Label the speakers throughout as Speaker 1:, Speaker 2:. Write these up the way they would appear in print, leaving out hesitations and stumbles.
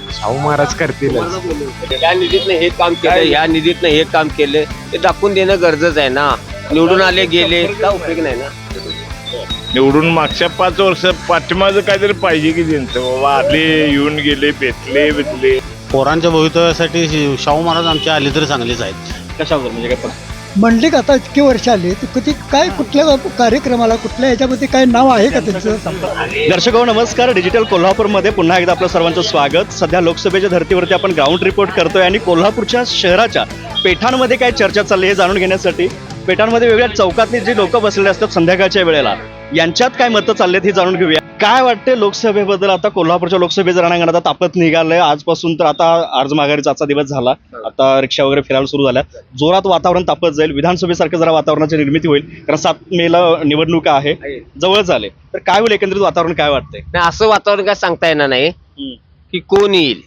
Speaker 1: शाहू महाराज करतील.
Speaker 2: या निधीतनं हे काम केलं, या निधीतनं हे काम केलं, ते दाखवून देणं गरजेचं आहे ना. निवडून आले गेले का उपयोग नाही ना.
Speaker 3: निवडून मागच्या 5 वर्ष पाठीमागं काहीतरी पाहिजे की त्यांचं बाबा आले येऊन गेले भेटले.
Speaker 4: पोरांच्या भवितव्यासाठी शाहू महाराज आमचे आले तरी चांगलेच आहेत.
Speaker 2: कशावर म्हणजे काय
Speaker 5: म्हणले का आता इतके वर्ष आले तर कधी काय कुठल्या कार्यक्रमाला कुठल्या ह्याच्यामध्ये काय नाव आहे का त्यांचं?
Speaker 6: दर्शक नमस्कार. डिजिटल कोल्हापूरमध्ये पुन्हा एकदा आपलं सर्वांचं स्वागत. सध्या लोकसभेच्या धर्तीवरती आपण ग्राउंड रिपोर्ट करतोय आणि कोल्हापूरच्या शहराच्या पेठांमध्ये काय चर्चा चालली हे जाणून घेण्यासाठी पेठांमध्ये वेगळ्या चौकातली जी लोक बसलेले असतात संध्याकाळच्या वेळेला यांच्यात काय मतं चाललेत हे जाणून घेऊया. काय वाटते लोकसभेबद्दल? आता कोल्हापूरच्या लोकसभेचं रणांगण आता तापत निघालंय. आजपासून तर आता अर्ज माघारीचा आजचा दिवस झाला. आता रिक्षा वगैरे फिरायला सुरू झाल्या. जोरात वातावरण तापत जाईल. विधानसभेसारखं जरा वातावरणाची निर्मिती होईल कारण 7 मेला निवडणुका आहे, जवळच आले. तर काय होईल एकंदरीत वातावरण काय वाटतंय?
Speaker 2: नाही, असं वातावरण काय सांगता येणार नाही की कोण येईल.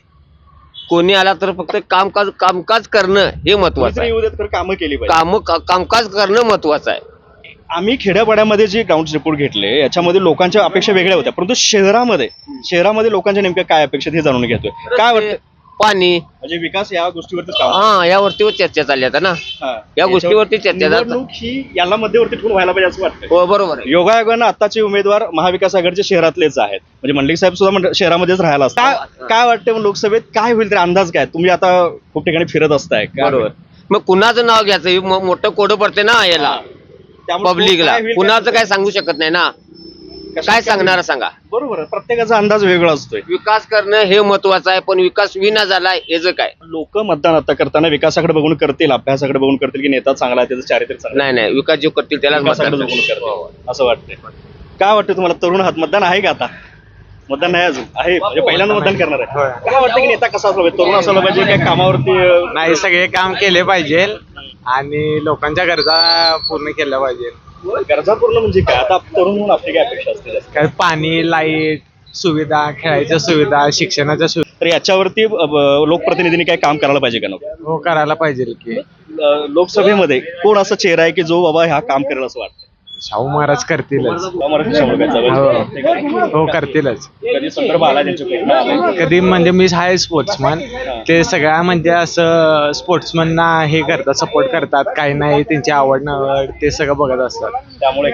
Speaker 2: कोणी आला तर फक्त कामकाज करणं हे महत्वाचं आहे.
Speaker 6: येऊ देत, कामं केली पाहिजे.
Speaker 2: कामकाज करणं महत्वाचं आहे.
Speaker 6: आम्ही खेड्यापाड्यामध्ये जे ग्राउंड रिपोर्ट घेतले याच्यामध्ये लोकांच्या अपेक्षा वेगळ्या होत्या, परंतु शहरामध्ये लोकांच्या नेमक्या काय अपेक्षा हे जाणून घेतोय. काय वाटतं?
Speaker 2: पाणी
Speaker 6: म्हणजे विकास या गोष्टीवरती
Speaker 2: यावरती चर्चा चालली आता ना. या गोष्टीवरती चर्चा
Speaker 6: निवडणूक ही याला मध्यवर्ती ठेवून व्हायला पाहिजे असं वाटतं.
Speaker 2: हो, बरोबर आहे.
Speaker 6: योगायोगानं आताचे उमेदवार महाविकास आघाडीचे शहरातलेच आहेत. म्हणजे मंडलिक साहेब सुद्धा शहरामध्येच राहायला असतात. काय वाटतं मग लोकसभेत काय होईल तरी अंदाज काय? तुम्ही आता खूप ठिकाणी फिरत असताय.
Speaker 2: बरोबर. मग कुणाचं नाव घ्यायचं हे मोठं कोडं पडते ना याला पब्लिकला. कुणाचं काय सांगू शकत नाही ना. काय सांगणार सांगा.
Speaker 6: बरोबर, प्रत्येकाचा अंदाज वेगळा असतोय.
Speaker 2: विकास करणं हे महत्वाचं आहे, पण विकास विना झालाय याचं काय.
Speaker 6: लोक मतदान आता करताना विकासाकडे बघून करतील, अभ्यासाकडे बघून करतील की नेता चांगला आहे त्याचं चारित्र्य चांगलं
Speaker 2: नाही, विकास जो करतील त्यालाच
Speaker 6: विकासाकडे
Speaker 2: मतदान
Speaker 6: बघून करतील असं वाटतंय. काय वाटतं तुम्हाला? तरुण हात मतदान आहे का? आता मतदान नाही अजून आहे, म्हणजे पहिल्यांदा मतदान करणार आहे. काय वाटतं की नेता कसा असला पाहिजे? तरुण असायला पाहिजे काय कामावरती?
Speaker 1: नाही, सगळे काम केले पाहिजे आणि लोकांच्या गरजा पूर्ण केल्या पाहिजे.
Speaker 6: गरजा पूर्ण म्हणजे काय? आता तरुण म्हणून आपली काय अपेक्षा असते?
Speaker 1: काय पाणी, लाईट सुविधा, खेळायच्या सुविधा, शिक्षणाच्या सुविधा.
Speaker 6: तर याच्यावरती लोकप्रतिनिधींनी काय काम करायला पाहिजे का नको?
Speaker 1: हो, करायला पाहिजे की.
Speaker 6: लोकसभेमध्ये कोण असं चेहरा आहे की जो बाबा हा काम करेल असं वाटतं?
Speaker 1: शाहू महाराज करतीलच.
Speaker 6: कधी
Speaker 1: हो, करतीलच.
Speaker 6: संदर्भ आला त्यांच्याकडे?
Speaker 1: कधी म्हणजे मी आहे स्पोर्ट्समन. ते सगळ्या म्हणजे असं स्पोर्ट्समनना हे करतात, सपोर्ट करतात. काही नाही त्यांची आवड नवड ते सगळं बघत असतात.
Speaker 6: त्यामुळे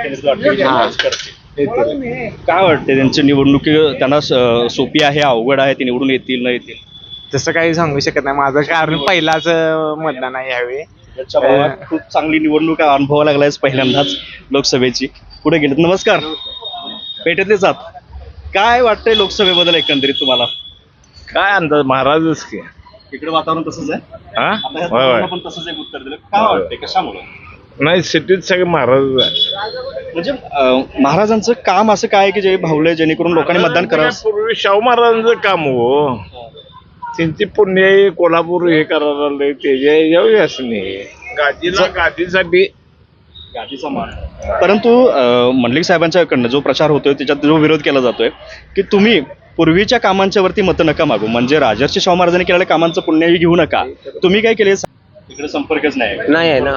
Speaker 1: येतील.
Speaker 6: काय वाटते त्यांची निवडणुकी त्यांना सोपी आहे, अवघड आहे, ती निवडून येतील न येतील?
Speaker 1: तसं काही सांगू शकत नाही. माझं कारण पहिलाच मतदान आहे यावेळी.
Speaker 6: याच्या भावात खूप चांगली निवडणूक अनुभवा लागलाय पहिल्यांदाच लोकसभेची. पुढे गेलेत. नमस्कार. पेठेतलेच आहात. काय वाटतंय लोकसभेबद्दल एकंदरीत तुम्हाला?
Speaker 3: काय अंदाज? महाराजच की.
Speaker 6: इकडे वातावरण तसंच आहे.
Speaker 3: हा,
Speaker 6: आता ह्या
Speaker 3: होय
Speaker 6: तरुणांना पण तसंच एक उत्तर दिलं. काय वाटतंय कशामुळे?
Speaker 3: नाही, सिटीत सगळे महाराजच आहे.
Speaker 6: म्हणजे महाराजांचं काम असं काय की जे भावलंय जेणेकरून लोकांनी मतदान करावं?
Speaker 3: पूर्वी शाहू महाराजांचं काम हो. त्यांची पुण्य कोल्हापूर हे करायला लागले त्याच्या असं नाही. गादीसाठी
Speaker 6: गादीचा मान. परंतु मंडलिक साहेबांच्याकडनं जो प्रचार होतोय त्याच्यात जो विरोध केला जातोय की तुम्ही पूर्वीच्या कामांच्या वरती मतं नका मागू, म्हणजे राजर्षी शाहू महाराजांनी केलेल्या कामांचं पुण्यही घेऊ नका. तुम्ही काय केले? इकडे संपर्कच नाही
Speaker 2: आहे ना.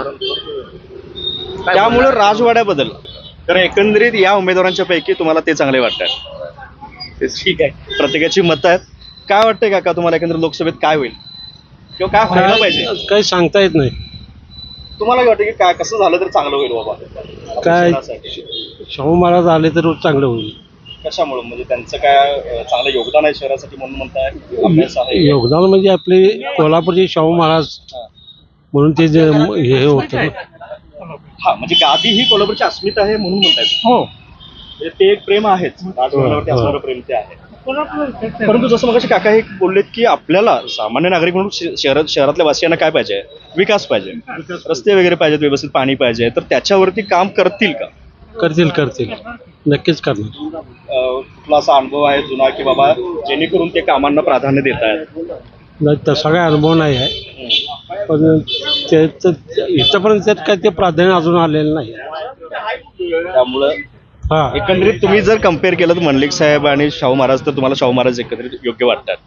Speaker 6: त्यामुळे राजवाड्याबद्दल तर एकंदरीत या उमेदवारांच्या पैकी तुम्हाला ते चांगले वाटतात? ठीक आहे, प्रत्येकाची मतं आहेत. काय वाटतंय काका तुम्हाला एकंदरीत लोकसभेत काय होईल किंवा काय व्हायला पाहिजे?
Speaker 4: काही सांगता येत नाही.
Speaker 6: तुम्हाला काय वाटतं की काय कसं झालं तर चांगलं होईल बाबा?
Speaker 4: काय
Speaker 6: शहरासाठी?
Speaker 4: शाहू महाराज आले तर चांगलं होईल.
Speaker 6: कशामुळे? म्हणजे त्यांचं काय चांगलं योगदान आहे शहरासाठी म्हणून म्हणताय? अभ्यास आहे?
Speaker 4: योगदान म्हणजे आपले कोल्हापूरचे शाहू महाराज म्हणून ते जे हे होतं.
Speaker 6: हा, म्हणजे गादी ही कोल्हापूरची अस्मिता आहे म्हणून म्हणतायत. हो, म्हणजे ते एक प्रेम आहेच, राजकारणावरती असणारं प्रेम ते आहे. परंतु जसं मगाशी काका हे बोललेत की आपल्याला सामान्य नागरिक म्हणून शहरातल्या वासियांना काय पाहिजे? विकास पाहिजे, रस्ते वगैरे पाहिजेत, व्यवस्थित पाणी पाहिजे. तर त्याच्यावरती काम करतील का?
Speaker 4: करतील नक्कीच करणार.
Speaker 6: कुठला असा अनुभव आहे जुना की बाबा जेणेकरून ते कामांना प्राधान्य देत आहेत?
Speaker 4: नाही, तसा काय अनुभव नाही आहे, पण इथंपर्यंत त्यात काय ते प्राधान्य अजून आलेलं नाही.
Speaker 6: त्यामुळं एकंदरीत तुम्ही जर कम्पेअर केलं तर मंडलिक साहेब आणि शाहू महाराज, तर तुम्हाला शाहू महाराज एकत्रित योग्य वाटतात?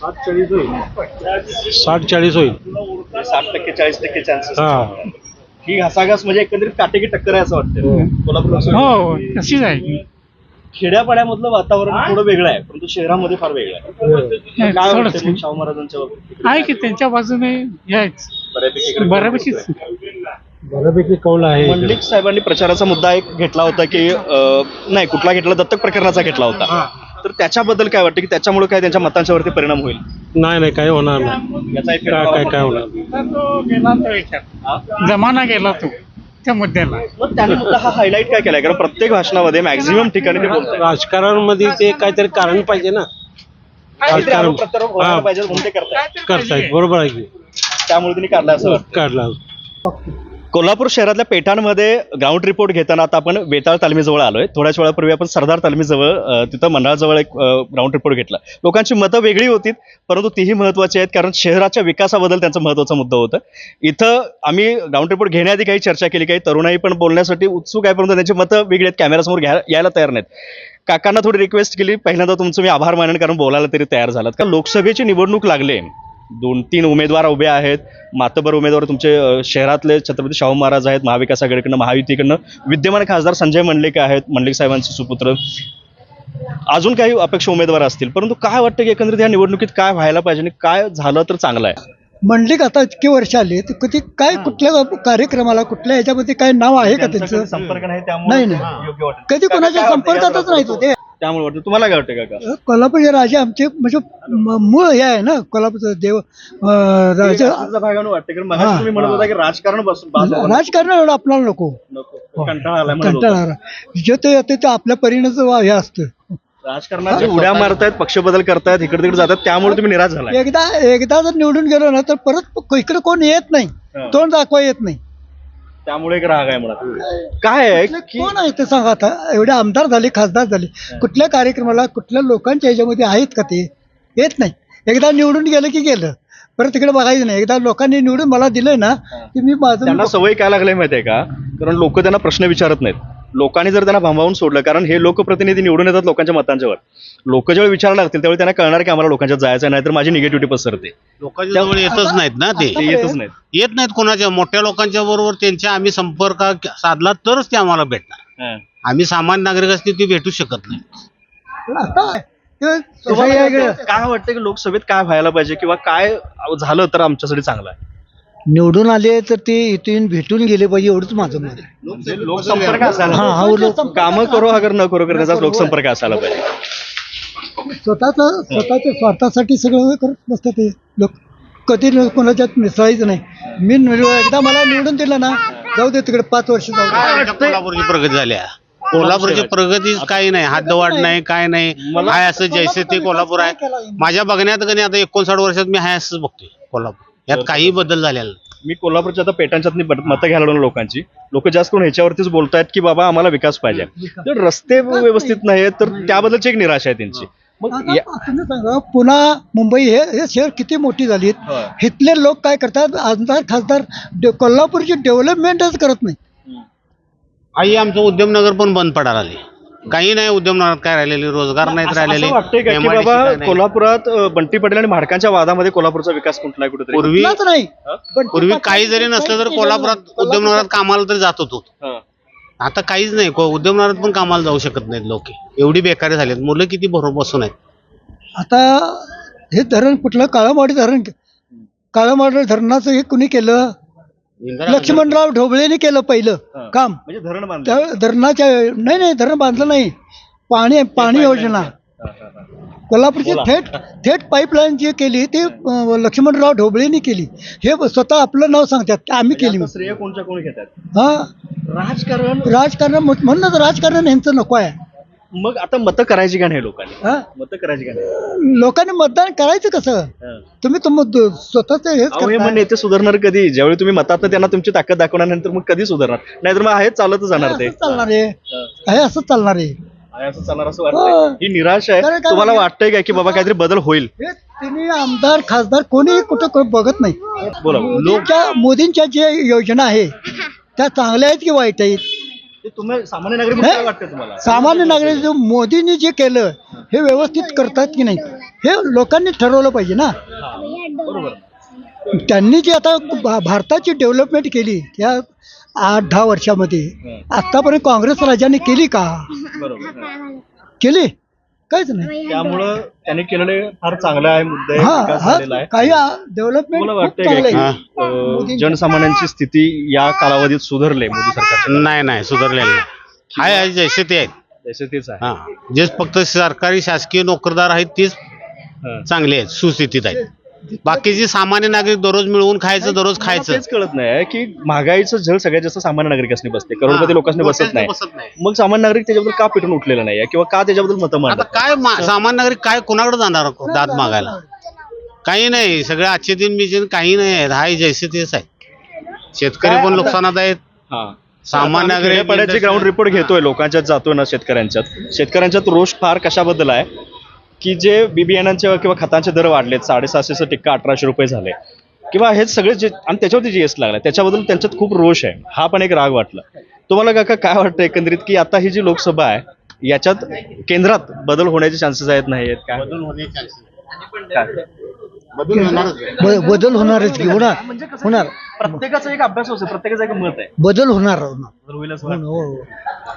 Speaker 4: 60-40 होईल.
Speaker 6: 60% 40% चान्सेस ही घासाघास म्हणजे एकंदरीत काटेकी टक्कर आहे असं वाटतं कोल्हापूर?
Speaker 5: हो, तशीच आहे.
Speaker 6: खेड्यापाड्यामधलं वातावरण थोडं वेगळं आहे, परंतु शहरामध्ये फार वेगळं आहे. काय वाटतं मग शाहू महाराजांच्या बाबतीत?
Speaker 7: आहे की त्यांच्या बाजूने यायच
Speaker 6: बऱ्यापैकी इकडे
Speaker 7: बऱ्यापैकी
Speaker 4: बऱ्यापैकी कौल आहे.
Speaker 6: मंडलिक साहेबांनी प्रचाराचा मुद्दा एक घेतला होता की नाही कुठला घेतला, दत्तक प्रकरणाचा घेतला होता. तर त्याच्याबद्दल काय वाटतं की त्याच्यामुळे काय त्यांच्या मतांच्या वरती परिणाम होईल?
Speaker 4: नाही काय होणार नाही.
Speaker 6: याचा एक
Speaker 4: काय होणार नाही.
Speaker 7: तो गेला तो याच्यात जमाना गेला तो त्या मुद्द्याला.
Speaker 6: मग त्यांनी मुद्दा हा हायलाईट काय केलाय? कारण प्रत्येक भाषणामध्ये मॅक्झिमम ठिकाणी ते बोलतात
Speaker 4: राजकारणामध्ये ते काहीतरी कारण पाहिजे ना. राजकारण
Speaker 6: पाहिजे म्हणून ते करतायत.
Speaker 4: करतायत, बरोबर आहे की.
Speaker 6: त्यामुळे त्यांनी काढला असं वाटतं.
Speaker 4: काढला.
Speaker 6: कोल्हापूर शहरातल्या पेठांमध्ये ग्राउंड रिपोर्ट घेताना आता आपण वेताळ तालमीजवळ आलोय. थोड्याच वेळापूर्वी आपण सरदार तालमीजवळ तिथं मंडळाजवळ एक ग्राउंड रिपोर्ट घेतला. लोकांची मतं वेगळी होती, परंतु तीही महत्वाची आहेत, कारण शहराच्या विकासाबद्दल त्यांचा महत्वाचा मुद्दा होता. इथं आम्ही ग्राउंड रिपोर्ट घेण्याआधी काही चर्चा केली, काही तरुणाई पण बोलण्यासाठी उत्सुक आहे, परंतु त्यांची मतं वेगळी आहेत, कॅमेरासमोर यायला तयार नाहीत. काकांना थोडी रिक्वेस्ट केली, पहिल्यांदा तुमचं मी आभार मानेन कारण बोलायला तरी तयार झालात. कारण लोकसभेची निवडणूक लागले, 2-3 उमेदवार उभे आहेत. मातबर उमेदवार तुमचे शहरातले छत्रपती शाहू महाराज आहेत, महाविकास आघाडीकडनं, महायुतीकडनं विद्यमान खासदार संजय मंडलिक आहेत, मंडलिक साहेबांचे सुपुत्र. अजून काही अपेक्षा उमेदवार असतील, परंतु काय वाटतं की एकंदरीत या निवडणुकीत काय व्हायला पाहिजे आणि काय झालं तर चांगलं आहे?
Speaker 5: मंडलिक आता इतके वर्ष आले तर कधी काय कुठल्या कार्यक्रमाला कुठल्या ह्याच्यामध्ये काय नाव आहे का त्यांचं?
Speaker 6: संपर्क नाही,
Speaker 5: नाही
Speaker 6: त्यामुळे
Speaker 5: नाही
Speaker 6: योग्य वाटतं.
Speaker 5: कधी कोणाच्या संपर्कातच नाही तो ते.
Speaker 6: त्यामुळे वाटतं. तुम्हाला काय वाटतं काका?
Speaker 5: कोल्हापूरचे राजे आमचे म्हणजे मूळ हे आहे ना कोल्हापूरचं देव राजा.
Speaker 6: तुमच्या भागानं वाटतं कारण मगाशी तुम्ही म्हणत होता की राजकारण बसून
Speaker 5: राजकारण एवढं आपल्याला नको,
Speaker 6: कंटाळा आलाय म्हणत होता.
Speaker 5: कंटाळा जे ते येते ते आपल्या परीनेच हे असतं.
Speaker 6: राजकारणाची उड्या मारतायत, पक्ष बदल करतायत, इकडे तिकडे जातात, त्यामुळे तुम्ही निराश झालाय.
Speaker 5: एकदा जर निवडून गेलो ना तर परत इकडे कोण येत नाही, तोंड दाखवा येत नाही.
Speaker 6: त्यामुळे एक राग आहे मला. काय आहे की
Speaker 5: कोण आहे ते सांगा आता? एवढे आमदार झाले, खासदार झाले, कुठल्या कार्यक्रमाला कुठल्या लोकांच्या ह्याच्यामध्ये आहेत का ते? येत नाही. एकदा निवडून गेलं की गेलं, परत तिकडे बघायचं नाही. एकदा लोकांनी निवडून मला दिलंय ना की मी
Speaker 6: त्यांना
Speaker 5: माझं
Speaker 6: सवय काय लागली माहितीये का? कारण लोक त्यांना प्रश्न विचारत नाहीत. लोकांनी जर त्यांना भांबावून सोडलं, कारण हे लोकप्रतिनिधी निवडून येतात लोकांच्या मतांच्यावर. लोक जेव्हा विचारायला लागतील त्यावेळी त्यांना कळणार की आम्हाला लोकांच्या जायचं नाही, तर माझी निगेटिव्हिटी पसरते.
Speaker 8: लोकांच्या जवळ येतच नाहीत ना, ते
Speaker 6: येतच नाहीत.
Speaker 8: येत नाहीत कोणाच्या. मोठ्या लोकांच्या बरोबर त्यांच्या आम्ही संपर्क साधला तरच ते आम्हाला भेटणार. आम्ही सामान्य नागरिक असते ते भेटू शकत नाही.
Speaker 5: आता ते
Speaker 6: तुम्हाला काय वाटतं की लोकसभेत काय व्हायला पाहिजे किंवा काय झालं तर आमच्यासाठी चांगलं आहे?
Speaker 5: निवडून आले तर ते इथून भेटून गेले पाहिजे, एवढंच माझं मत आहे.
Speaker 6: म्हणजे लोकसंपर्क असायला
Speaker 5: हा
Speaker 6: पाहिजे. कामं करो अगर न करो करण्याचा लोकसंपर्क असायला पाहिजे.
Speaker 5: स्वतःच्या स्वार्थासाठी सगळं करत नसतं ते लोक. कधी कोणाच्यात मिसळायचं नाही. एकदा मला निवडून दिलं ना, जाऊ दे तिकडे 5 वर्ष जाऊ दे.
Speaker 8: कोल्हापूरची प्रगती झाली आहे. कोल्हापूरची प्रगती काही नाही, हद्दवाढ नाही, काय नाही. हाय असं जैसे ते कोल्हापूर आहे. माझ्या बघण्यात कधी आता 59 वर्षात मी हाय असंच बघतोय कोल्हापूर. यात काही बदल झालेला नाही.
Speaker 6: मी कोल्हापूरच्या आता पेटांच्यात मतं घ्यायला लागलो लोकांची. लोक जास्त करून ह्याच्यावरतीच बोलतायत की बाबा आम्हाला विकास पाहिजे. तर रस्ते व्यवस्थित नाही तर त्याबद्दलची एक निराशा आहे त्यांची. मग
Speaker 5: तुम्ही सांगा, पुन्हा मुंबई हे शहर किती मोठी झाली. इथले लोक काय करतात, आमदार खासदार कोल्हापूरची डेव्हलपमेंटच करत नाही.
Speaker 8: आई आमचं उद्यमनगर पण बंद पडायला आले. काही नाही उद्यमनगरात काय राहिलेले, रोजगार नाहीत राहिलेले.
Speaker 6: असं वाटतंय का की
Speaker 8: MIDC
Speaker 6: बाबा
Speaker 8: काय नाही.
Speaker 6: कोल्हापुरात बंटी पटेल आणि म्हाडकांच्या वादामध्ये कोल्हापूरचा विकास कुठला आहे कुठेतरी?
Speaker 5: कुठलाच नाही.
Speaker 8: पूर्वी काही जरी नसलं तर कोल्हापुरात उद्यमनगरात कामाला तरी जात होतो. आता काहीच नाही. उद्यमनगरात पण कामाला जाऊ शकत नाहीत लोक. एवढी बेकारी झालीत. मुलं किती बरोबर बसून आहेत.
Speaker 5: आता हे धरण कुठलं, काळामाडी धरण, काळामाडी धरणाचं हे कुणी केलं? लक्ष्मणराव ढोबळेने केलं पहिलं काम.
Speaker 6: म्हणजे धरण बांधलं.
Speaker 5: त्या धरणाच्या नाही धरण बांधलं नाही. पाणी योजना कोल्हापूरची थेट पाईपलाईन जी केली ती लक्ष्मणराव ढोबळेने केली. हे स्वतः आपलं नाव सांगतात, आम्ही केली.
Speaker 6: श्रेय कोणच्या कोण घेतात?
Speaker 5: हा,
Speaker 6: राजकारण.
Speaker 5: म्हणूनच राजकारण यांचं नको आहे.
Speaker 6: मग आता मतं करायची का नाही लोकांनी?
Speaker 5: हा,
Speaker 6: मतं करायची का नाही?
Speaker 5: लोकांनी मतदान करायचं कसं? तुम्ही स्वतःच हेच
Speaker 6: अहो, हे
Speaker 5: करताय.
Speaker 6: मग नेते सुधारणार कधी? ज्यावेळी तुम्ही मतात त्यांना तुमची ताकद दाखवल्यानंतर मग कधी सुधारणार? नाहीतर मग आहे चालतच जाणार ते.
Speaker 5: असंच चालणार आहे. हे असंच चालणार आहे.
Speaker 6: आहे असं चालणार असं वाटतंय. ही निराश आहे.
Speaker 5: काय
Speaker 6: तुम्हाला
Speaker 5: म्हणजे?
Speaker 6: वाटतंय का की बाबा काहीतरी बदल होईल?
Speaker 5: हे तिन्ही आमदार खासदार कोणी कुठं बघत नाही.
Speaker 6: बोला.
Speaker 5: मोदींच्या जे योजना आहे त्या चांगल्या आहेत की वाईट आहेत?
Speaker 6: ते तुम्ही सामान्य नागरिक म्हणून काय वाटतं तुम्हाला?
Speaker 5: सामान्य नागरिक मोदींनी जे केलं हे व्यवस्थित करतात की नाही हे लोकांनी ठरवलं पाहिजे ना.
Speaker 6: बरोबर.
Speaker 5: त्यांनी जी आता भारताची डेव्हलपमेंट केली त्या 8-10 वर्षामध्ये, आतापर्यंत काँग्रेस राजाने केली का?
Speaker 6: बरोबर.
Speaker 5: केली काहीच नाही.
Speaker 6: त्यामुळं त्यांनी केलेले फार चांगलं आहे, मुद्दा आहे,
Speaker 5: हा
Speaker 6: विकास
Speaker 5: हा
Speaker 6: झालेला आहे.
Speaker 5: काही डेव्हलपमेंट
Speaker 6: मला
Speaker 5: खूप
Speaker 6: वाटतंय
Speaker 5: चांगलं
Speaker 6: का
Speaker 5: आहे.
Speaker 6: की जनसामान्यांची स्थिती या कालावधीत सुधारले मोदी सरकार
Speaker 8: नाही सुधारलेलं नाही. आहे जैसे ते आहेत.
Speaker 6: जसे तेच आहे.
Speaker 8: हा जे फक्त सरकारी शासकीय नोकरदार आहेत तीच
Speaker 6: हा.
Speaker 8: चांगले आहेत, सुस्थितीत आहेत. बाकीचे सामान्य नागरिक दररोज मिळवून खायचं, दररोज
Speaker 6: मला
Speaker 8: खायचं.
Speaker 6: तेच कळत नाही की महागाईचं झळ सगळ्यात जास्त सामान्य नागरिकांनी बसते, करोडपती लोकांनी बसत नाही. मग सामान्य नागरिक त्याच्याबद्दल का पेटून उठलेला नाही किंवा का त्याच्याबद्दल मतं
Speaker 8: आता
Speaker 6: मांडतात?
Speaker 8: काय सामान्य नागरिक काय कुणाकडे जाणार दाद मागायला? काही नाही, सगळे आजचे दिन बिचीन काही नाही आहेत. हाय जैसे तेच आहे. शेतकरी पण नुकसानात आहेत,
Speaker 6: हा.
Speaker 8: सामान्य नागरिक
Speaker 6: खेड्यापाड्याचे ग्राउंड रिपोर्ट घेतोय, लोकांच्यात जातोय ना, शेतकऱ्यांच्यात रोष फार कशाबद्दल आहे की जे बियाणांचे किंवा खतांचे दर वाढलेत, 750 टिक्का 1800 रुपये झाले किंवा हे सगळे जे आणि त्याच्यावरती जीएसटी लागला, त्याच्याबद्दल त्यांच्यात खूप रोष आहे. हा पण एक राग वाटला. तुम्हाला काका काय वाटतं एकंदरीत की आता ही जी लोकसभा आहे याच्यात केंद्रात बदल होण्याचे चान्सेस आहेत, नाही आहेत काय?
Speaker 5: बदल होणारच की होणार
Speaker 6: प्रत्येकाचा एक अभ्यास असतो, प्रत्येकाचं एक मत आहे.
Speaker 5: बदल होणार
Speaker 6: होईल असं वाटतं.
Speaker 5: हो